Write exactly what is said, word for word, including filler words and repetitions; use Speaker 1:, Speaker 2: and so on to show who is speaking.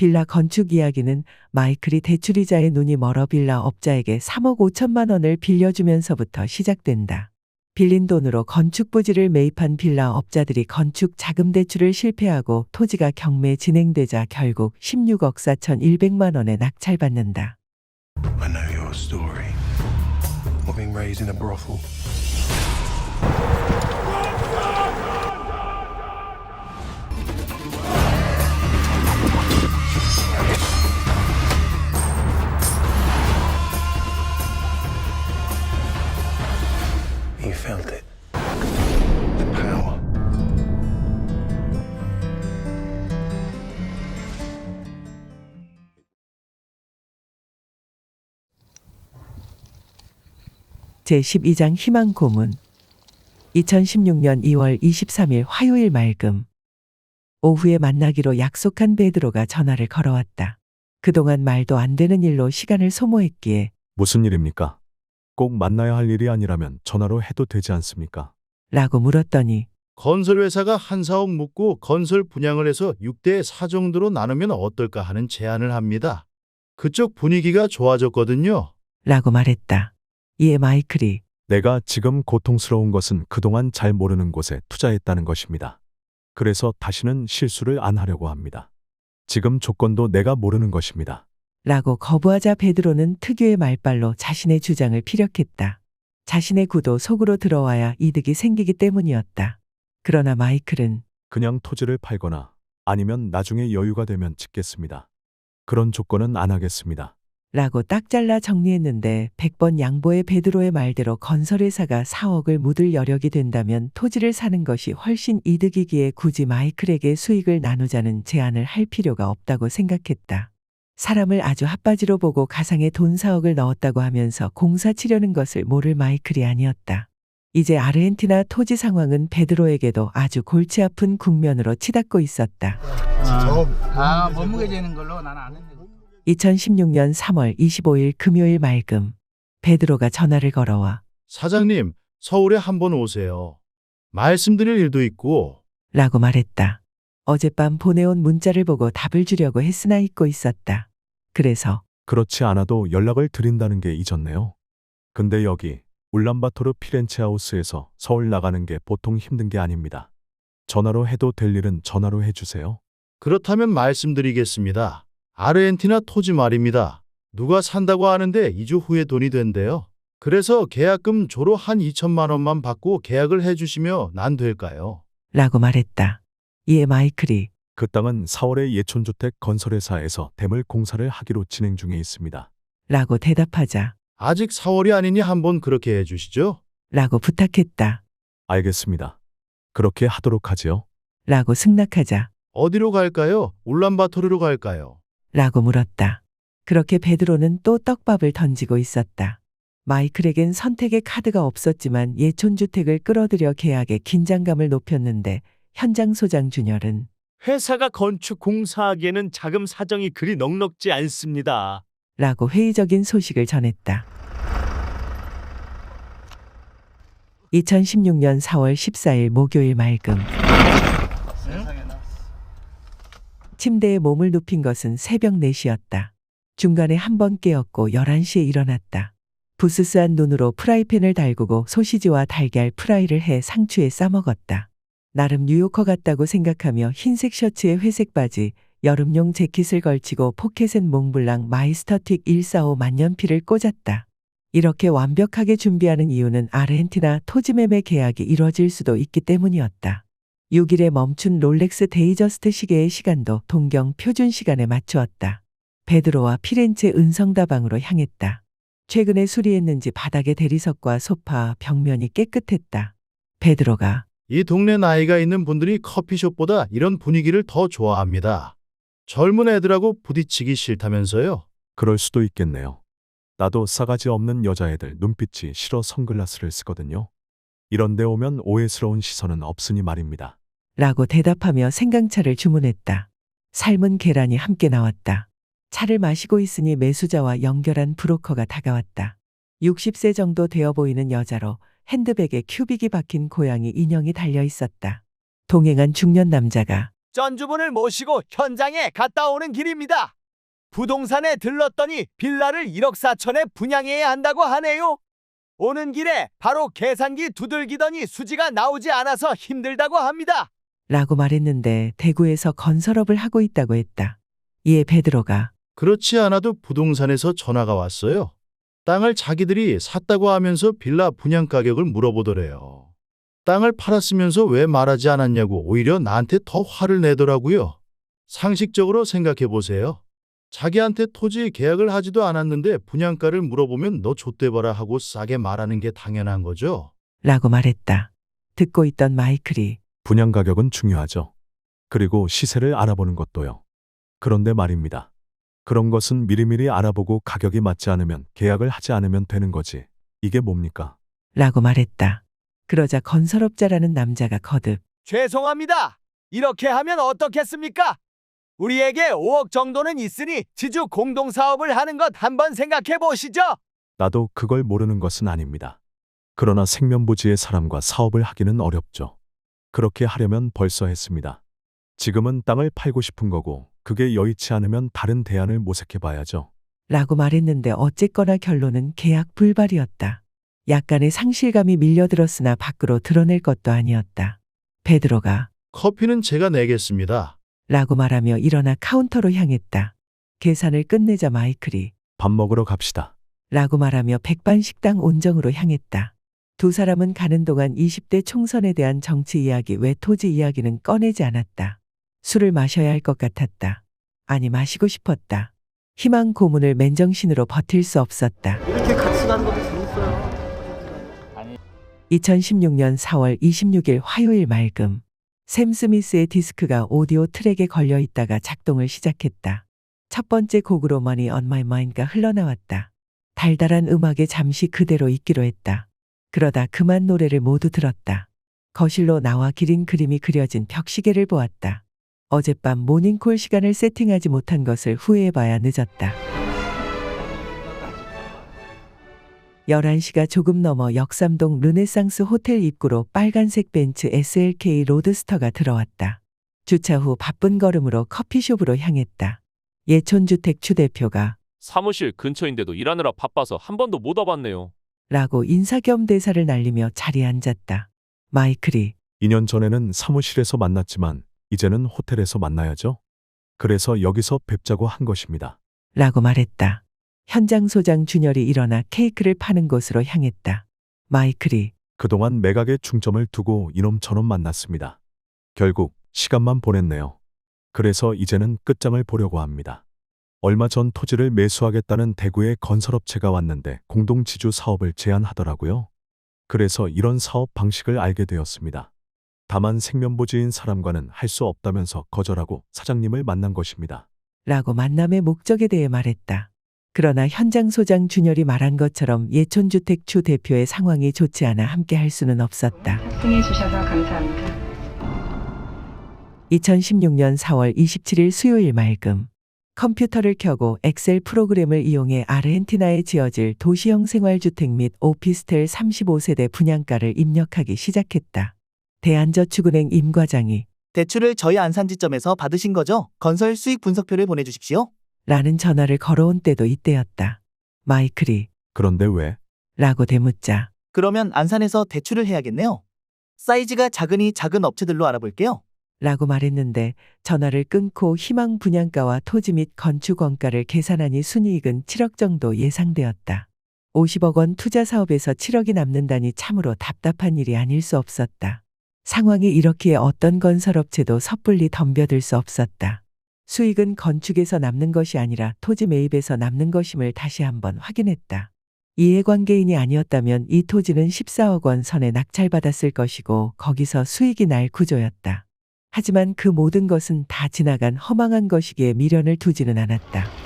Speaker 1: 빌라 건축 이야기는 마이클이 대출이자에 눈이 멀어 빌라 업자에게 삼억 오천만 원을 빌려주면서부터 시작된다. 빌린 돈으로 건축 부지를 매입한 빌라 업자들이 건축 자금 대출을 실패하고 토지가 경매 진행되자 결국 십육억 사천백만 원에 낙찰받는다.
Speaker 2: I know your story. Of being raised in a brothel. You felt it. The power.
Speaker 1: 제십이 장 희망 고문. 이천십육 년 이월 이십삼일 화요일 맑음. 오후에 만나기로 약속한 베드로가 전화를 걸어왔다. 그동안 말도 안 되는 일로 시간을 소모했기에
Speaker 3: 무슨 일입니까? 꼭 만나야 할 일이 아니라면 전화로 해도 되지 않습니까?
Speaker 1: 라고 물었더니
Speaker 4: 건설회사가 한 사억 묻고 건설 분양을 해서 육 대 사 정도로 나누면 어떨까 하는 제안을 합니다. 그쪽 분위기가 좋아졌거든요.
Speaker 1: 라고 말했다. 이에 마이클이
Speaker 3: 내가 지금 고통스러운 것은 그동안 잘 모르는 곳에 투자했다는 것입니다. 그래서 다시는 실수를 안 하려고 합니다. 지금 조건도 내가 모르는 것입니다.
Speaker 1: 라고 거부하자 베드로는 특유의 말발로 자신의 주장을 피력했다. 자신의 구도 속으로 들어와야 이득이 생기기 때문이었다. 그러나 마이클은
Speaker 3: 그냥 토지를 팔거나 아니면 나중에 여유가 되면 짓겠습니다. 그런 조건은 안 하겠습니다.
Speaker 1: 라고 딱 잘라 정리했는데 백 번 양보의 베드로의 말대로 건설회사가 사억을 묻을 여력이 된다면 토지를 사는 것이 훨씬 이득이기에 굳이 마이클에게 수익을 나누자는 제안을 할 필요가 없다고 생각했다. 사람을 아주 핫바지로 보고 가상의 돈 사억을 넣었다고 하면서 공사 치려는 것을 모를 마이클이 아니었다. 이제 아르헨티나 토지 상황은 베드로에게도 아주 골치 아픈 국면으로 치닫고 있었다.
Speaker 5: 아, 몸무게 재는 걸로 나는 안 했네.
Speaker 1: 이천십육 년 삼월 이십오일 금요일 맑음. 베드로가 전화를 걸어와
Speaker 4: 사장님, 서울에 한번 오세요. 말씀드릴 일도 있고.
Speaker 1: 라고 말했다. 어젯밤 보내온 문자를 보고 답을 주려고 했으나 잊고 있었다. 그래서
Speaker 3: 그렇지 않아도 연락을 드린다는 게 잊었네요. 근데 여기 울란바토르 피렌체 하우스에서 서울 나가는 게 보통 힘든 게 아닙니다. 전화로 해도 될 일은 전화로 해주세요.
Speaker 4: 그렇다면 말씀드리겠습니다. 아르헨티나 토지 말입니다. 누가 산다고 하는데 이 주 후에 돈이 된대요. 그래서 계약금 조로 한 이천만 원만 받고 계약을 해주시면 안 될까요?
Speaker 1: 라고 말했다. 이에 마이클이
Speaker 3: 그 땅은 사월에 예촌주택 건설회사에서 대물 공사를 하기로 진행 중에 있습니다.
Speaker 1: 라고 대답하자
Speaker 4: 아직 사월이 아니니 한번 그렇게 해주시죠.
Speaker 1: 라고 부탁했다.
Speaker 3: 알겠습니다. 그렇게 하도록 하지요.
Speaker 1: 라고 승낙하자
Speaker 4: 어디로 갈까요? 울란바토르로 갈까요?
Speaker 1: 라고 물었다. 그렇게 베드로는 또 떡밥을 던지고 있었다. 마이클에겐 선택의 카드가 없었지만 예촌주택을 끌어들여 계약의 긴장감을 높였는데 현장 소장 준열은
Speaker 6: 회사가 건축 공사하기에는 자금 사정이 그리 넉넉지 않습니다.
Speaker 1: 라고 회의적인 소식을 전했다. 이천십육 년 사월 십사일 목요일 맑음. 침대에 몸을 눕힌 것은 새벽 네 시였다. 중간에 한 번 깨었고 열한 시에 일어났다. 부스스한 눈으로 프라이팬을 달구고 소시지와 달걀 프라이를 해 상추에 싸먹었다. 나름 뉴요커 같다고 생각하며 흰색 셔츠에 회색 바지, 여름용 재킷을 걸치고 포켓엔 몽블랑 마이스터틱 백사십오 만년필을 꽂았다. 이렇게 완벽하게 준비하는 이유는 아르헨티나 토지 매매 계약이 이뤄질 수도 있기 때문이었다. 육 일에 멈춘 롤렉스 데이저스트 시계의 시간도 동경 표준 시간에 맞추었다. 베드로와 피렌체 은성다방으로 향했다. 최근에 수리했는지 바닥의 대리석과 소파, 벽면이 깨끗했다. 베드로가
Speaker 4: 이 동네 나이가 있는 분들이 커피숍보다 이런 분위기를 더 좋아합니다. 젊은 애들하고 부딪히기 싫다면서요?
Speaker 3: 그럴 수도 있겠네요. 나도 싸가지 없는 여자애들 눈빛이 싫어 선글라스를 쓰거든요. 이런 데 오면 오해스러운 시선은 없으니 말입니다.
Speaker 1: 라고 대답하며 생강차를 주문했다. 삶은 계란이 함께 나왔다. 차를 마시고 있으니 매수자와 연결한 브로커가 다가왔다. 육십 세 정도 되어 보이는 여자로 핸드백에 큐빅이 박힌 고양이 인형이 달려 있었다. 동행한 중년 남자가
Speaker 7: 전주분을 모시고 현장에 갔다 오는 길입니다. 부동산에 들렀더니 빌라를 일억 사천에 분양해야 한다고 하네요. 오는 길에 바로 계산기 두들기더니 수지가 나오지 않아서 힘들다고 합니다.
Speaker 1: 라고 말했는데 대구에서 건설업을 하고 있다고 했다. 이에 베드로가
Speaker 4: 그렇지 않아도 부동산에서 전화가 왔어요. 땅을 자기들이 샀다고 하면서 빌라 분양 가격을 물어보더래요. 땅을 팔았으면서 왜 말하지 않았냐고 오히려 나한테 더 화를 내더라고요. 상식적으로 생각해 보세요. 자기한테 토지 계약을 하지도 않았는데 분양가를 물어보면 너 좆대봐라 하고 싸게 말하는 게 당연한 거죠.
Speaker 1: 라고 말했다. 듣고 있던 마이클이
Speaker 3: 분양 가격은 중요하죠. 그리고 시세를 알아보는 것도요. 그런데 말입니다. 그런 것은 미리미리 알아보고 가격이 맞지 않으면 계약을 하지 않으면 되는 거지. 이게 뭡니까?
Speaker 1: 라고 말했다. 그러자 건설업자라는 남자가 거듭
Speaker 7: 죄송합니다. 이렇게 하면 어떻겠습니까? 우리에게 오억 정도는 있으니 지주 공동사업을 하는 것 한번 생각해 보시죠.
Speaker 3: 나도 그걸 모르는 것은 아닙니다. 그러나 생면부지의 사람과 사업을 하기는 어렵죠. 그렇게 하려면 벌써 했습니다. 지금은 땅을 팔고 싶은 거고 그게 여의치 않으면 다른 대안을 모색해 봐야죠.
Speaker 1: 라고 말했는데 어쨌거나 결론은 계약 불발이었다. 약간의 상실감이 밀려들었으나 밖으로 드러낼 것도 아니었다. 베드로가
Speaker 4: 커피는 제가 내겠습니다.
Speaker 1: 라고 말하며 일어나 카운터로 향했다. 계산을 끝내자 마이클이
Speaker 3: 밥 먹으러 갑시다.
Speaker 1: 라고 말하며 백반식당 온정으로 향했다. 두 사람은 가는 동안 이십 대 총선에 대한 정치 이야기 외 토지 이야기는 꺼내지 않았다. 술을 마셔야 할 것 같았다. 아니 마시고 싶었다. 희망 고문을 맨정신으로 버틸 수 없었다.
Speaker 5: 이렇게 같이 가는 것도 재밌어요.
Speaker 1: 이천십육 년 사월 이십육일 화요일 맑음. 샘 스미스의 디스크가 오디오 트랙에 걸려 있다가 작동을 시작했다. 첫 번째 곡으로 Money on My Mind가 흘러나왔다. 달달한 음악에 잠시 그대로 있기로 했다. 그러다 그만 노래를 모두 들었다. 거실로 나와 기린 그림이 그려진 벽시계를 보았다. 어젯밤 모닝콜 시간을 세팅하지 못한 것을 후회해봐야 늦었다. 열한 시가 조금 넘어 역삼동 르네상스 호텔 입구로 빨간색 벤츠 에스엘케이 로드스터가 들어왔다. 주차 후 바쁜 걸음으로 커피숍으로 향했다. 예촌주택 추 대표가
Speaker 8: 사무실 근처인데도 일하느라 바빠서 한 번도 못 와봤네요.
Speaker 1: 라고 인사 겸 대사를 날리며 자리에 앉았다. 마이클이
Speaker 3: 이 년 전에는 사무실에서 만났지만 이제는 호텔에서 만나야죠. 그래서 여기서 뵙자고 한 것입니다.
Speaker 1: 라고 말했다. 현장 소장 준열이 일어나 케이크를 파는 곳으로 향했다. 마이클이
Speaker 3: 그동안 매각에 중점을 두고 이놈 저놈 만났습니다. 결국 시간만 보냈네요. 그래서 이제는 끝장을 보려고 합니다. 얼마 전 토지를 매수하겠다는 대구의 건설업체가 왔는데 공동지주 사업을 제안하더라고요. 그래서 이런 사업 방식을 알게 되었습니다. 다만 생면부지인 사람과는 할 수 없다면서 거절하고 사장님을 만난 것입니다.
Speaker 1: 라고 만남의 목적에 대해 말했다. 그러나 현장 소장 준열이 말한 것처럼 예촌주택 추 대표의 상황이 좋지 않아 함께 할 수는 없었다.
Speaker 9: 합성해 주셔서 감사합니다.
Speaker 1: 이천십육 년 사월 이십칠일 수요일 맑음. 컴퓨터를 켜고 엑셀 프로그램을 이용해 아르헨티나에 지어질 도시형 생활주택 및 오피스텔 삼십오 세대 분양가를 입력하기 시작했다. 대한저축은행 임 과장이
Speaker 10: 대출을 저희 안산지점에서 받으신 거죠? 건설 수익 분석표를 보내주십시오.
Speaker 1: 라는 전화를 걸어온 때도 이때였다. 마이클이
Speaker 3: 그런데 왜?
Speaker 1: 라고 되묻자
Speaker 10: 그러면 안산에서 대출을 해야겠네요. 사이즈가 작으니 작은 업체들로 알아볼게요.
Speaker 1: 라고 말했는데 전화를 끊고 희망 분양가와 토지 및 건축 원가를 계산하니 순이익은 칠억 정도 예상되었다. 오십억 원 투자 사업에서 칠억이 남는다니 참으로 답답한 일이 아닐 수 없었다. 상황이 이렇기에 어떤 건설업체도 섣불리 덤벼들 수 없었다. 수익은 건축에서 남는 것이 아니라 토지 매입에서 남는 것임을 다시 한번 확인했다. 이해관계인이 아니었다면 이 토지는 십사억 원 선에 낙찰받았을 것이고 거기서 수익이 날 구조였다. 하지만 그 모든 것은 다 지나간 허망한 것이기에 미련을 두지는 않았다.